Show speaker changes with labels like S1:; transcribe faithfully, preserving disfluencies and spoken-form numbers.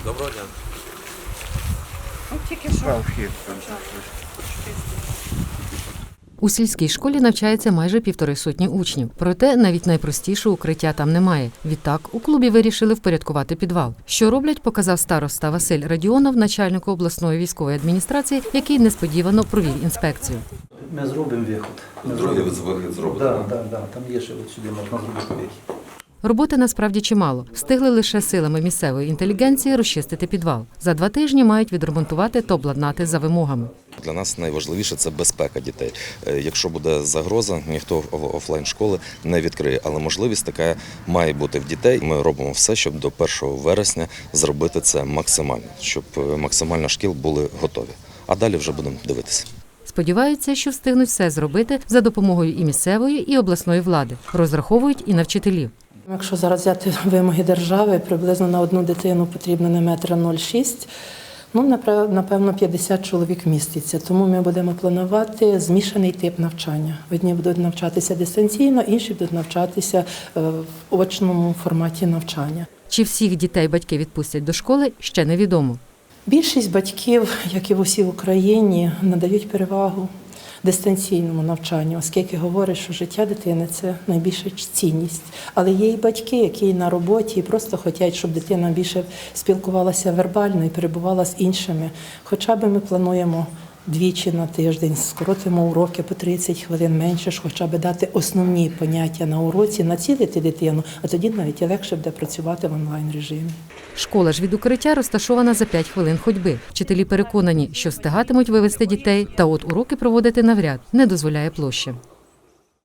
S1: Доброго дня.
S2: Ну, тільки що.
S3: У сільській школі навчається майже півтори сотні учнів. Проте навіть найпростішого укриття там немає. Відтак, у клубі вирішили впорядкувати підвал. Що роблять, показав староста Василь Радіонов, начальнику обласної військової адміністрації, який несподівано провів інспекцію.
S4: Ми зробимо виход. Ми
S1: Другий вихід зробити?
S4: Так, так, так. Там є ще от сюди можна зробити вихід.
S3: Роботи насправді чимало. Встигли лише силами місцевої інтелігенції розчистити підвал. За два тижні мають відремонтувати та обладнати за вимогами.
S5: Для нас найважливіше – це безпека дітей. Якщо буде загроза, ніхто офлайн-школи не відкриє. Але можливість така має бути в дітей. Ми робимо все, щоб до першого вересня зробити це максимально, щоб максимально шкіл були готові. А далі вже будемо дивитися.
S3: Сподіваються, що встигнуть все зробити за допомогою і місцевої, і обласної влади. Розраховують і на вчителів.
S2: Якщо зараз взяти вимоги держави, приблизно на одну дитину потрібно не метра нуль шість, ну, напевно, п'ятдесят чоловік міститься. Тому ми будемо планувати змішаний тип навчання. Одні будуть навчатися дистанційно, інші будуть навчатися в очному форматі навчання.
S3: Чи всіх дітей батьки відпустять до школи, ще невідомо.
S2: Більшість батьків, як і в усій Україні, надають перевагу дистанційному навчанню, оскільки говорять, що життя дитини – це найбільша цінність. Але є і батьки, які на роботі і просто хочуть, щоб дитина більше спілкувалася вербально і перебувала з іншими. Хоча б ми плануємо двічі на тиждень, скоротимо уроки по тридцять хвилин менше, ж хоча б дати основні поняття на уроці, націлити дитину, а тоді навіть і легше буде працювати в онлайн-режимі.
S3: Школа ж від укриття розташована за п'ять хвилин ходьби. Вчителі переконані, що встигатимуть вивезти дітей, та от уроки проводити навряд, не дозволяє площа.